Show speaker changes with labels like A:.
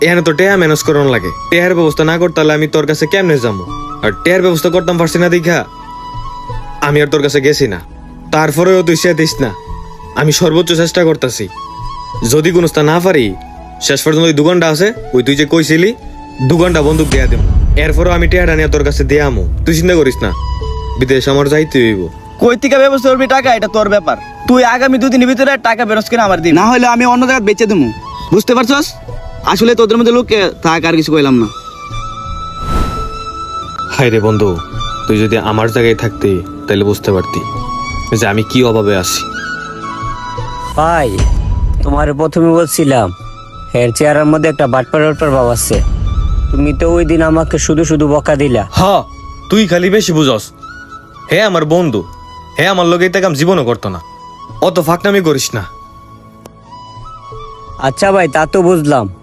A: এখানে তো টেয়া ম্যানেজ করানো লাগে, টেয়ার ব্যবস্থা না করতে হলে আমি তোর কাছে কেমনে যাবো? আর টেয়ার ব্যবস্থা করতাম পারছি না দেখা আমি আর তোর কাছে গেছি না। তারপরেও তুই সে দিস না, আমি সর্বোচ্চ চেষ্টা করতেছি। যদি কোনো স্থান না পারি, শেষ পর্যন্ত ওই 2 ঘন্টা আছে, ওই তুই যে কইছিলি 2 ঘন্টা বন্দুক দেয়া দেবো। এরপরও আমি টেয়াটা নিয়ে তোর কাছে দিয়ে আমো, তুই চিন্তা করিস না। বিদেশ আমার যাইতে হইব।
B: কই থেকে ব্যবস্থা করবি টাকা, এটা তোর ব্যাপার। তুই আগামী 2 দিনের ভিতরে টাকা বেরোস কিনা আমার দিন, না হলে আমি অন্য জায়গায় বেচে দেবো। বুঝতে পারছস? আসলে তোদের মধ্যে লোক থাক, আর কিছু কইলাম না।
A: হাই রে বন্ধু, তুই যদি আমার জায়গায় থাকতি তাহলে বুঝতে পারতি যে আমি কি অভাবে আছি।
C: ভাই, তোমার প্রথমে বলছিলাম হের চেয়ারের মধ্যে একটা বাটপার ভাব আছে। তুমি তো ওই দিন আমাকে শুধু শুধু বকা দিলা।
A: হ, তুই খালি বেশি বুঝস। হে আমার বন্ধু, হে আমার লোক এই কাম জীবনও করতো না। অত ফাঁকনামি করিস না।
C: আচ্ছা ভাই, তা তো বুঝলাম,